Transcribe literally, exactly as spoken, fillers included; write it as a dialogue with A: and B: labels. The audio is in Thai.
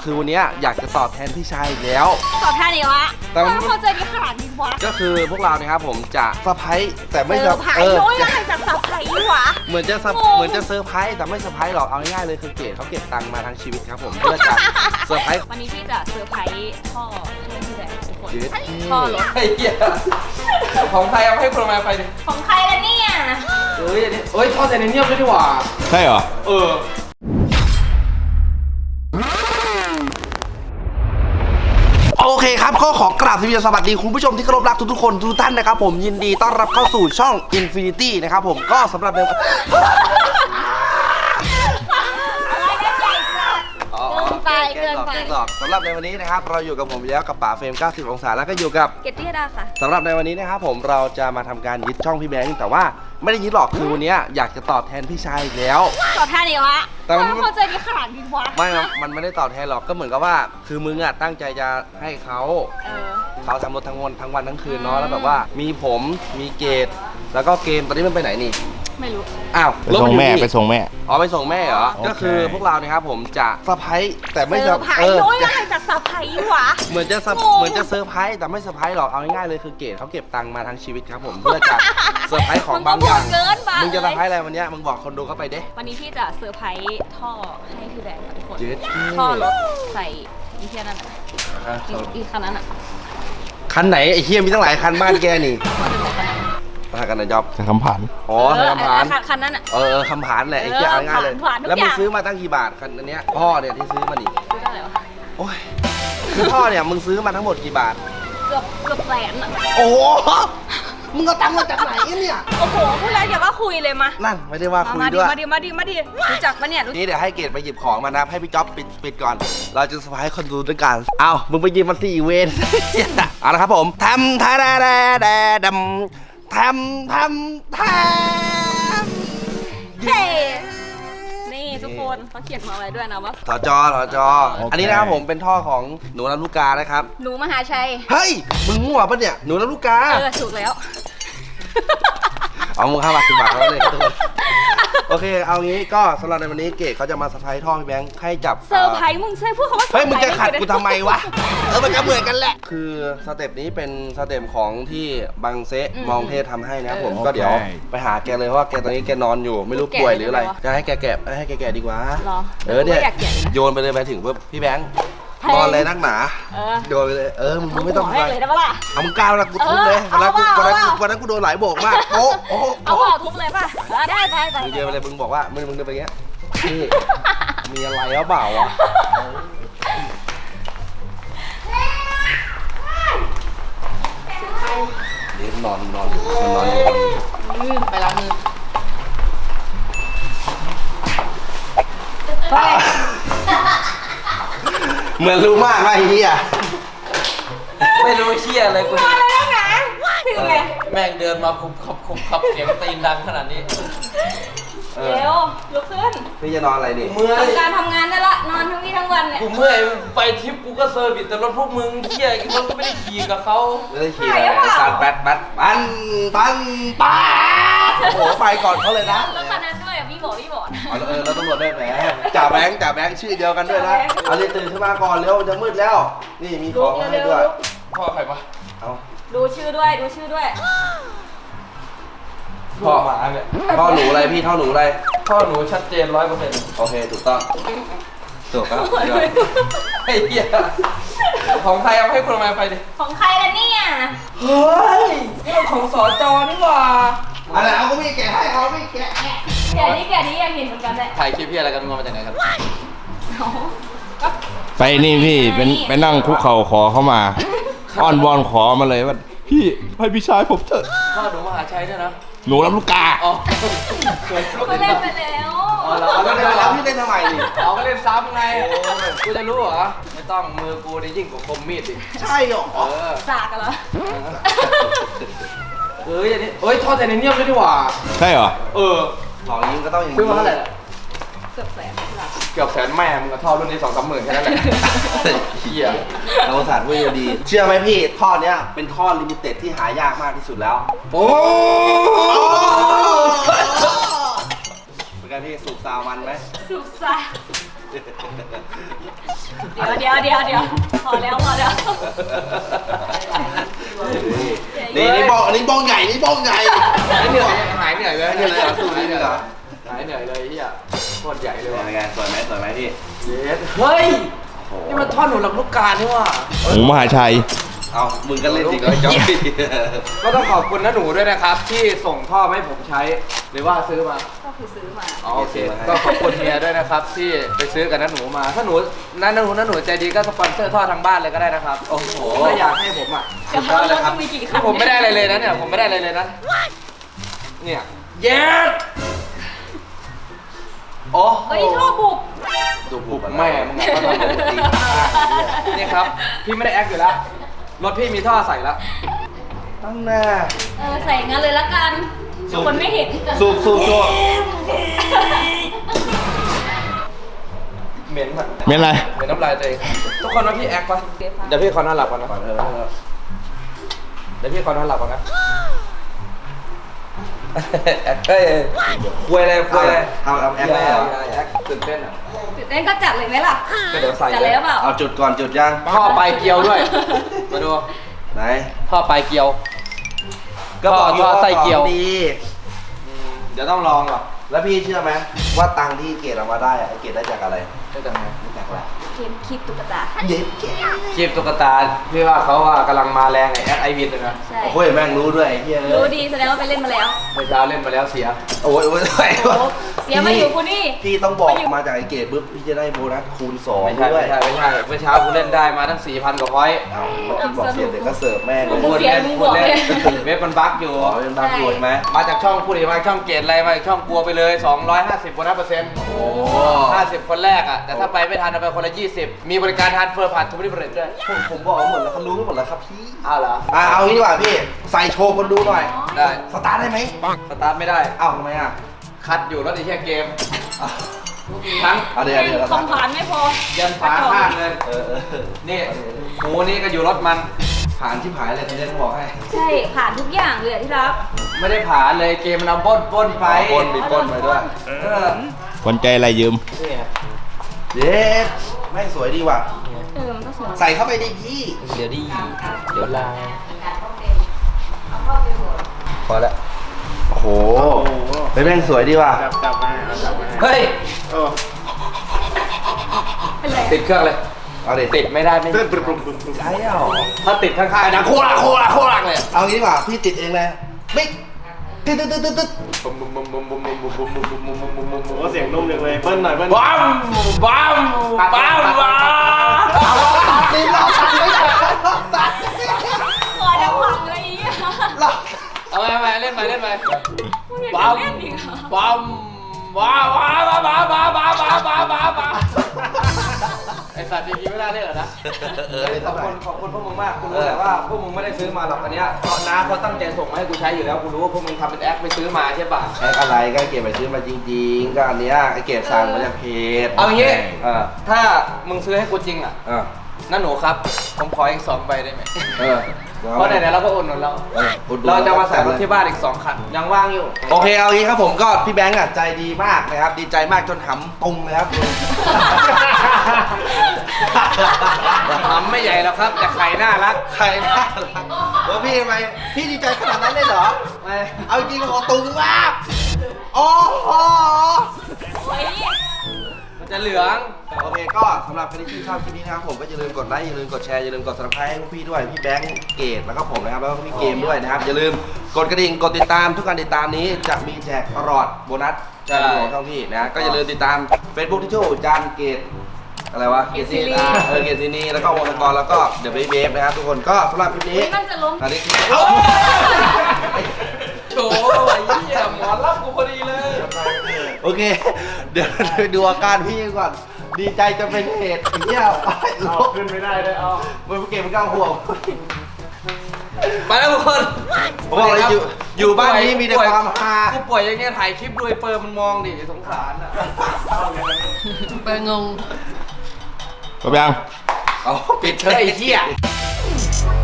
A: คือวันนี้อยากจะตอบแทนพี่ชายอีกแล้ว
B: ตอบแทนอีกวะ
A: แต่มัน
B: เข้าใจดีขนาดนี้วะ
A: ก็คือพวกเราเนี่ยครับผมจะเซอร์ไพรส์แต่ไม่
B: เซอร์ไพรส์โอ้ยอะไรจากเซอร์ไพรส์วะ
A: เหมือนจะเหมือนจะเซอร์ไพรส์แต่ไม่เซอร์ไพรส์หรอกเอาง่ายๆเลยคือเกดเขาเก็บตังค์มาทั้งชีวิตครับผมเพื่อจะเซอร์ไพรส์
B: วันนี้พี่จะเซอร์ไพรส์พ่อให้พี่แบงค์ทุกคน
A: พ่อรถไอ้เหี้ยของใครเอาให้คนมาไปดิ
B: ของใครล่ะเนี่ย
A: เอ้ยอันนี้เอ้ยทอดแต่ในเนียบด้วยดีกว่า
C: ใช่เหรอ
A: เออโอเคครับก็ขอกราบสวัสดีคุณผู้ชมที่เคารพรักทุกๆคนทุกท่านนะครับผมยินดีต้อนรับเข้าสู่ช่อง Infinity นะครับผมก็สำหรับใน
B: อะไรกันใหญ่จัดเกินไปเกินไป
A: สำหรับในวันนี้นะครับเราอยู่กับผมแล้วกับป๋าเฟรมเก้าสิบองศาแล้วก็อยู่กับ
B: เกตตี้ดาค่ะ
A: สำหรับในวันนี้นะครับผมเราจะมาทำการยึดช่องพี่แบงค์แต่ว่าไม่ได้ยึดหรอกคือวันนี้อยากจะตอบแทนพี่ชายอีกแล้ว
B: ตอบแทนอีกวะแต่มันเข้าใจดีขนาดนี้วะ
A: ไม่มันไม่ได้ตอบแทนหรอกก็เหมือนกับว่าคือมึงอ่ะตั้งใจจะให้เขาเขาทำรถทั้งวันทั้งวันทั้งคืนเนาะแล้วแบบว่ามีผมมีเกดแล้วก็เกมตอนนี้มันไปไหนนี่
B: ไม่รู้
A: อ้าว
C: ไปส่งแม่ไปส่งแม่
A: อ๋อไปส่งแม่เหรอก็คือพวกเราเนี่ยครับผมจะเซอร์ไพรส์แต่ไม่
B: เซอร์ไพรส์โอ้ยอะไรจากเซอร์ไพรส์วะ
A: เหมือนจะเหมือนจะเซอร์ไพรส์แต่ไม่เซอร์ไพรส์หรอกเอาง่ายๆเลยคือเกดเขาเก็บตังค์มาทั้งชีวิตครับผมเพื่อจะเซอร์ไพรส์ของบางอย่างมึงจะเซอร์ไพรส์อะไรวันนี้มึงบอกคนดูเข้าไปเด้
B: วันนี้พี่จะเซอร์ไพรส์ท่อให้พี่แบงค์ทุกคนท่อรถใส่อีเทียนั่นอีคันนั้นอ่ะ
A: คันไหนไอ้เฮียมีตั้งหลายคันบ้านแกนี่มากันนะจ๊อบ
C: คำผ่าน
A: อ๋อคำผ่าน
B: คันนั้นอ่ะ
A: เออคำผ่านแหละไอ้เหี้ยง่ายเลยแล้วมึงซื้อมาตั้งกี่บาทคันนี้พ่อเนี่ยที่ซื้อมานี่
B: ซื้อเท่าไหร่วะ
A: โอ้ยคือพ่อเนี่ยมึงซื้อมาทั้งหมดกี่บาท
B: เกือบเกือบแสนอ่ะ
A: โอ้มึงเอาตังค์มาจากไหนเนี่ย
B: โอ้โหพูดแล้วอย่าว่าคุยเลยมา
A: นั่นไม่ได้ว่าคุยด้วย
B: มาดิมาดิมาดิรู้จักปะเนี่ย
A: นี่เดี๋ยวให้เกดไปหยิบของมานะให้พี่จ๊อบปิดปิดก่อนเราจะสบายคนดูด้วยกันเอามึงไปหยิบมันที่อีเวนต์เอาละครับผมทำทาดาดาดาดำทำทำทำ
B: เฮ้นี่ทุกคนเขาเขียนมาไว้ด้วยนะว่า
A: ถอจอถอจออันนี้นะครับผมเป็นท่อของหนูลำลูกกานะครับ
B: หนูมหาชัย
A: เฮ้ยมึงมั่วปะเนี่ยหนูลำลูกกา
B: เออถูกแล้ว
A: เอามึงเข้ามาสิบบาทแล้วเลยทุกคนโอเคเอางี้ก็สำหรับในวันนี้เกดเขาจะมาเซอร์ไพรส์ท่อพี่แบงค์ให้จับ
B: เซอร์ไพรส์มึงใช่พูดคำว่า
A: เฮ้ยมึงจะขัดกูทำไมวะเออมันก็เหมือนกันแหละคือสเต็ปนี้เป็นสเต็ปของที่บังเซะมองเทศทำให้นะผมก็เดี๋ยวไปหาแกเลยเพราะว่าแกตอนนี้แกนอนอยู่ไม่รู้ป่วยหรืออะไรจะให้แกแกะให้แกแกะดีกว่าเออเนี่ยโยนไปเลยไปถึงปุ๊บพี่แบงค์นอนเลยนักหนาโดนไปเลยเออมึงไม่ต้อง
B: อะไรเลยได้ปะล่ะ
A: เอามึงก้าวนะกูทุบเลยวันนั้นกูวันนั้นกูวันนั้นกูโดนหลายโบกมากโอ้โอ้
B: เอาเปล่าทุบเลยป่ะได้ได้ได้
A: มึงเดินไปเลยมึงบอกว่ามึงมึงเดินไปเงี้ยนี่มีอะไรหรือเปล่าวะเดี๋ยวนอนนอนนอนอยู่
B: ไปล้างมือ
A: เหมือนรู้มากว่าไอ้เหี้ย
D: ไม่รู้เชี่ยอะไรกู
B: มาแล้วนะถึงไง
D: แม่งเดินมาคุบขับคุบขับเสียงตีนดังขนาดนี้
B: เร็วลุกขึ้น
A: พี่จะนอนอะไรดิ
D: เมื่อย
B: การทำงานได้ละนอนทั้งวี่ทั้งวันเนี่ย
D: กูเมื่อยไปทริปกูก็เซอร์วิสแต่รถพวกมึงเชี่ยรถก็ไม่ได้ขี่กับเขา
A: ไม่ได้ขี่อะไรสารแบดแบดปันปันปันโอ้โหไปก่อนเขาเลยนะ
B: รถคันนั้นด้วยอ่ะพี่บอกพี่บอก
A: เออเราตำรวจด้วยแหมจ่าแบงค์จ่าแบงค์ชื่อเดียวกันด้วยนะเอาเลยตื่นขึ้นมาก่อนเร็วจะมืดแล้วนี่มีของให้ด้วย
D: พ่อใครปะ
B: เอาดูชื่อด้วยดูชื่อด้วย
A: พ่อหมาเนี่ยพ่อหนูอะไรพี่ท่อหนูอะไร
D: พ่อหนูชัดเจนร้อยเปอร์เซ็นต์
A: โอเคถูกต้องถูกครับ
D: ไอ้เหี้ยของใครเอาให้คนมาไปดิ
B: ของใครล่ะเนี่ย
D: เฮ้ยนี่มันของสอจอนี่หว่า
A: อะไรเอาก็ไม่แกะให้เอาไม่แกะ
B: แกะนี้แกะนี้ยังเห็นเหมือนกันเลย
D: ถ่ายคลิปพี่อะไรกันงงมาจากไหนครับ
C: ไปนี่พี่เป็นไปนั่งคุกเข่าขอเข้ามาอ้อนวอนขอมาเลยว่าพี่ให้พี่ชายผมเถอะ
D: พ่อหนูมหาชัยด้วยนะ
C: หนูลำลูกกา
D: อ๋อ
B: ก็เล่นไปแล้ว
D: อ๋อเรา
A: เล่นไปแล้วพี่เล่นทำไมดิ
D: อ๋อก็เล่นซ้ำไงกูจะรู้เหรอไม่ต้องมือกูนี่ยิ่งกว่าคมมีดดิ
A: ใช่หรอ
D: เออ
B: สากกันเหรอ
D: เอ้ยอันนี้เอ้ยทอดแต่ในเนียบด้วยดีกว่า
C: ใช่เหรอ
D: เออ
A: ของยิงก็ต้องอย่างนี้
D: ซื้อมาเท่าไหร่
B: เกือบแสน
D: เกือบแสนแม่มึงก็ทอดรุ่นนี้สองสามหมื่นแค่นั้นแหละเฮีย
A: เราสารพูดดีเชื่อไหมพี่ท่อเนี้ยเป็นท่อลิมิเต็ดที่หายากมากที่สุดแล้ว
D: โอ้
A: เป็นการที่สูบซาวมันไหม
B: สูบซา
A: เ
B: เดี๋ยวเดี๋ยวเดี๋ยวเดี๋ยวพอแล้วพอแล้ว
A: นี่นี่บ้องอันนี้บ้องใหญ่นี่บ้องใหญ่
D: หายเหนื่อยหายเหนื่อยเลย
A: ไม่เหนื่อยเหรอสู้ไม่เหนื่อยเหรอ
D: หายเหนื่อยเลยเฮียโคตรใหญ่เลย
A: เป็น
D: ว่ะ
A: ไงสวยไหมสวยไหมพี่
D: เย็ดเฮ้ยนี่มันท่อนหนูลำลูกกานี่ว่ะ
C: หมูมหาชัย
A: เอามึงก็เล่นจริงเลยจ๊อบบี้
D: ก็ต้องขอบคุณน้าหนูด้วยนะครับ ที่ส่งท่อมาให้ผมใช้หรือว่าซื้อมา
B: ก็คือซื้อมา
D: อ๋อโอเคก็ขอบคุณเมียด้วยนะครับ ที่ไปซื้อกับน้าหนูมา ถ้าหนูน้าหนูน้าหนูใจดีก็สปอนเซอร์ท่อทางบ้านเลยก็ได้นะครับโอ้โหถ้าอยากให้ผมอ่ะ
B: เดี๋ยวเราต้องมีกี่คัน
D: ผมไม่ได้อะไรเลยนะเนี่ยผมไม่ได้อะไรเลยนะเนี่ยเย็ดโอ้
B: เฮ้ยท่อบุบ
A: ดูบุบ
D: แม่มึงก็ทำบุบจริงนี่ครับพี่ไม่ได้แอคอยู่แล้วรถพี่มีท่อใส่แล้ว
A: ตั้งหน้า
B: เออใส่งั้นเลยละกันคนไม่เห็น
A: สูบสูบสูบ
D: เหม็นอะ
C: เม็นอะไร
D: เหม็นน้ำลายตัวเองทุกคนว่าพี่แอคปะเดี๋ยวพี่ขอนอนหลับก่อนนะ
A: ก่อนเถอะ
D: เดี๋ยวพี่ขอนอนหลับก่อนนะแอคเอ้ยคุยอะไรคุยอะไร
A: เอาเอาแอคเลยเหรอ
D: แอคตื่นเต้นอ่ะ
B: ตื่นเต้นก็จัดเลยไหมล่ะ
D: ก็เดี๋ยวใส่
B: จัดเลยหรือเปล่า
A: เอาจุดก่อนจุดยัง
D: ท่อปลายเกลียวด้วยมาดู
A: ไหน
D: ท่อปลายเกลียว
A: ก็บอกอยู่
D: ท่อไส้เกียว
A: ของดี
D: เดี๋ยวต้องลองหรอ
A: แล้วพี่เชื่อไหมว่าตังค์ที่เกรดเอามาได้อะไอ้เกรดได้จากอะไร
D: ได้จากไหน
A: ได้จากอะไร
B: เกมคลิปตุ๊กตา
A: เย็ดเกรด
D: คลิปตุ๊กตาพี่ว่าเขาว่ากำลังมาแรงไอ้แอดไอวินเลยนะ
B: ใช่
A: โอ้โหแม่งรู้ด้วยไอ้เหี้ย
B: รู้ดีแสดงว่าไปเล่นมาแล้ว
D: เมื่อเช้าเล่นมาแล้วเสีย
A: โอ้ยโอ้ยโอ้ย
B: โอ้โหเสียมาอยู่กูนี่
A: พี่ต้องบอกมาจากไอ้เกรดปุ๊บพี่จะได้โบนัสคูณสอง
D: ไม่ใช่
A: ด้ว
D: ไม่
A: ย
D: ใช่ไม่ใช่เมื่อเช้ากูเล่นได้มาตั้งสี่พันกว่าพอยต์
A: เอาเมื่อกี้บอกเสียเด็กก็เสิร์ฟแม่งเล
B: โอ้
A: ย
B: โห เสียมึงบอกเลย
D: เว็บมันบั๊กอยู่
A: อ๋อเป็นบางส่วนไหม
D: มาจากช่องพูดอีกมาจากช่องเกตอะไรมาจากช่องกลัวไปเลยสองร้อยห้าสิบโบนัสเปอร์เซ็นต์
A: โอ้
D: ห้าสิบคนแรกอ่ะแต่ถ้าไปไม่ทันเอาไปคนละยี่สิบมีบริการทานเฟอร์ผ่านทูบริเบรดด้วย
A: ผมผมบอกหมดแล้วเขารู้หมดแล้วครับพี่
D: อ้าวเหรอ
A: อ่ะเอางี้ดีกว่าพี่ใส่โชว์คนดูหน่อย
D: ได้
A: สตาร์ทได้ไหม
D: สตาร์ทไม่ได้
A: เอ้าทำไมอ่ะ
D: คัดอยู่รถไอ้แค่เกมทั้ง
A: เอาเดี๋ยวเดี๋ยว
B: คอมผ่านไม่พอ
D: ยันฝาข้างเลย
A: เออเออ
D: นี่หมูนี่ก็อยู่รถมัน
A: ผ่านที่ผายเลยทีนี้ต้องบอกให้
B: ใช่ผ่านทุกอย่างเลยอะที่รัก
D: ไม่ได้ผ่านเลยเกมมันเอาปล้นปล้นไป
A: ปนมีปนไปด้วย
D: เออ
C: คนใจอะไรยืม
D: นี่
A: เย็ดแม่งสวยดีว่ะ
B: เออมันก็สวย
A: ใส่เข้าไปดิพี่
D: เดี๋ยวดีเดี๋ยวลาพอแล้ว
A: โอ้โหเฮ้ยแม่งสวยดีว่ะ
D: เฮ้ย
B: เป็นไร
D: ติดเครื่องเลย
A: เอาดิ
D: ติดไม่ได้ไม่
A: ใช่เหรอ
D: ถ้าติดข้างๆนะโคลาโคลาโคลาเลย
A: เอางี้ดีกว่าพี่ติดเองเลยปิ๊กตึ๊ดตึ๊ดตึ๊ดตึ๊ด
E: โอ้เสียงนุ่มจังเลยเบิ้ลหน่อยเบิ้ล
D: บ้ามบ้ามบ้ามบ้าม
A: เอาตัดดิเราตัดไม่ได้เราตัด
B: คอจะพังเลยอีก
A: เรา
D: เอาไปเล่นไปเล่นไป
B: มึงอยาก
D: บ้าม
B: จะเล่นอีกเหรอ
D: บ้ามบ้าบ้าบ้าบ้าบ้าบ้าบ้าบ้าบ้าบ้าไอสัตว์จริงๆไม่ได้เล่นหรอนะ
A: เออ
D: ขอบคุณขอบคุณพวกมึงมากกูรู้แหละว่าพวกมึงไม่ได้ซื้อมาหรอกอันเนี้ยเพราะน้าเขาตั้งใจส่งมาให้กูใช้อยู่แล้วกูรู้ว่าพวกมึงทำเป็นแอคไปซื้อมาใช่ป่ะ
A: แอคอะไรก็เก็บไปซื้อมาจริงๆก็อันเนี้ยไอเก็บสั่งมาจากเพจ
D: เอาอย่างงี้
A: เออ
D: ถ้ามึงซื้อให้กูจริงอ่ะ
A: เออ
D: นั่นหนูครับผมขออีกสองใบได้ไหม
A: เออ
D: เพราะไหนๆเราก็อุดหนุนเรา
A: เอออุดหนุน
D: เราจะมาใส่รถที่บ้านอีกสองคันยังว่างอยู่
A: โอเคเอางี้ครับผมก็พี่แบงค์อ่ะใจดีมากนะครับ ดีใจมากจนหำตรงเลยครับ
D: ทำไม่ใหญ่หรอกครับ แต่ไข่น่ารัก
A: ใครน่ารักเออพี่ทำไมพี่ดีใจขนาดนั้นเลยเหรอ
D: ไม่
A: เอาจริงๆขอตุงมากโอ้โห
B: โอ้ย
D: มันจะเหลือง
A: โอเคก็สำหรับใครที่ชื่นชอบคลิปนี้นะครับผมก็อย่าลืมกดไลค์อย่าลืมกดแชร์อย่าลืมกด ซับสไครบ์ ให้พวกพี่ด้วยพี่แบงค์เกตแล้วก็ผมนะครับแล้วก็พี่เกมด้วยนะครับอย่าลืมกดกระดิ่งกดติดตามทุกการติดตามนี้จะมีแจกตลอดโบนัสจากของช่องพี่นะก็อย่าลืมติดตาม Facebook ที่ชื่อจานเกตอะไรวะเกตซีนีเออเกตซีนีแล้วก็วงกรแล้วก็เดอะเบย์เบฟนะครับทุกคนก็สำหรับคลิปนี้
B: อุ๊ยมันจะล้ม
A: อันนี้
D: โถไอ้เหี้ยหมอรับกูพอดีเลย
A: โอเค เดี๋ยวไปดูอาการพี่ก่อน ดีใจจะเป็นเหตุไอ้เหี้ย
E: เอาขึ้นไม่ได้เลยเอา
A: มันเก็บมันก้าวห่วง
D: ไปแล้วทุกคน
A: ผมบอกเลยอยู่อยู่บ้านนี้มีแต่ความฮา
D: กูป่วยอย่างเงี้ยถ่ายคลิปด้วยเปิร์มันมองดิสงสารอ่ะ
B: เปิดงง
C: จบยัง
A: เอาปิดเถอะ
D: ไอ้
A: ไอ้
D: เหี้
A: เหี้
D: ย
A: ย